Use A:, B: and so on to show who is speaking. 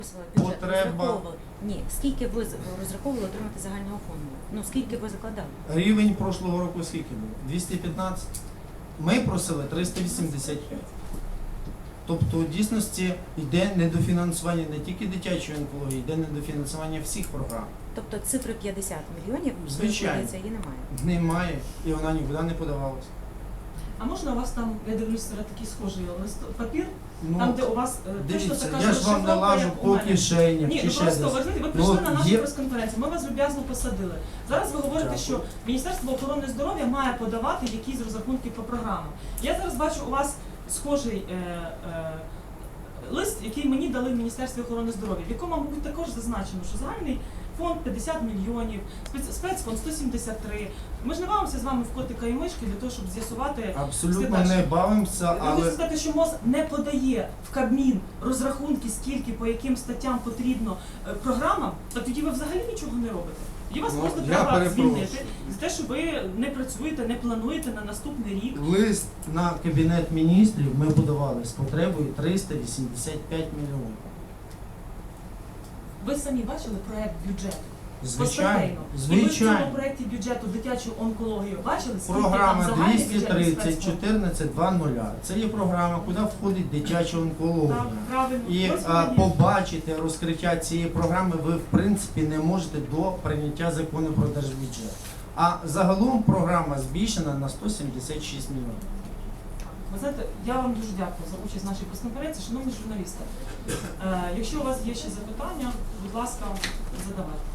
A: Бюджет
B: Потреба.
A: розраховували? Ні, скільки ви розраховували отримати загального фонду? Ну, скільки ви закладали?
B: Рівень прошлого року скільки було? 215. Ми просили 385. Тобто, в дійсності йде недофінансування не тільки дитячої онкології, йде недофінансування всіх програм.
A: Тобто цифри 50 мільйонів,
B: Звичайно.
A: її немає?
B: Немає, і вона нікуди не подавалася.
C: А можна у вас там, я дивлюся, такий схожий папір,
B: Ну,
C: там, де у вас точно
B: дивіться,
C: така
B: я ж вам
C: розшифровка,
B: налажу
C: як у
B: по
C: мене.
B: кишенях
C: Ні,
B: чи
C: ну
B: ще
C: просто
B: десь.
C: ви знаєте, ви прийшли на нашу
B: є-
C: прес-конференцію, ми вас люб'язно посадили. Зараз ви говорите,
B: Дякую.
C: що Міністерство охорони здоров'я має подавати якісь розрахунки по програмам. Я зараз бачу у вас схожий лист, який мені дали в Міністерстві охорони здоров'я, в якому, мабуть, також зазначено, що загальний фонд 50 мільйонів, спецфонд 173. Ми ж не бавимося з вами в котика і мишки для того, щоб з'ясувати.
B: Абсолютно
C: все
B: не
C: далі.
B: бавимося,
C: Ви хочете
B: але
C: сказати, що МОЗ не подає в Кабмін розрахунки, скільки, по яким статтям потрібно програмам, так тоді ви взагалі нічого не робите. Тоді вас
B: Ну,
C: просто
B: я
C: треба
B: перепрошую.
C: звільнити за те, що ви не працюєте, не плануєте на наступний рік.
B: лист на Кабінет міністрів ми подавали з потребою 385 мільйонів.
C: Ви самі бачили проект бюджету?
B: Звичайно,
C: І ви в цьому
B: звичайно.
C: проєкті бюджету дитячу онкологію бачили? Скільки
B: Програма
C: там загальний бюджет
B: 230
C: спецфонду?
B: 14 2.0. Це є програма, куди входить дитяча онкологія.
C: Так, правильно.
B: І
C: Ось мені.
B: побачити розкриття цієї програми ви в принципі не можете до прийняття закону про держбюджет. А загалом програма збільшена на 176 мільйонів.
C: Ви знаєте, я вам дуже дякую за участь в нашій прес-конференції. Шановні журналісти, якщо у вас є ще запитання, будь ласка, задавайте.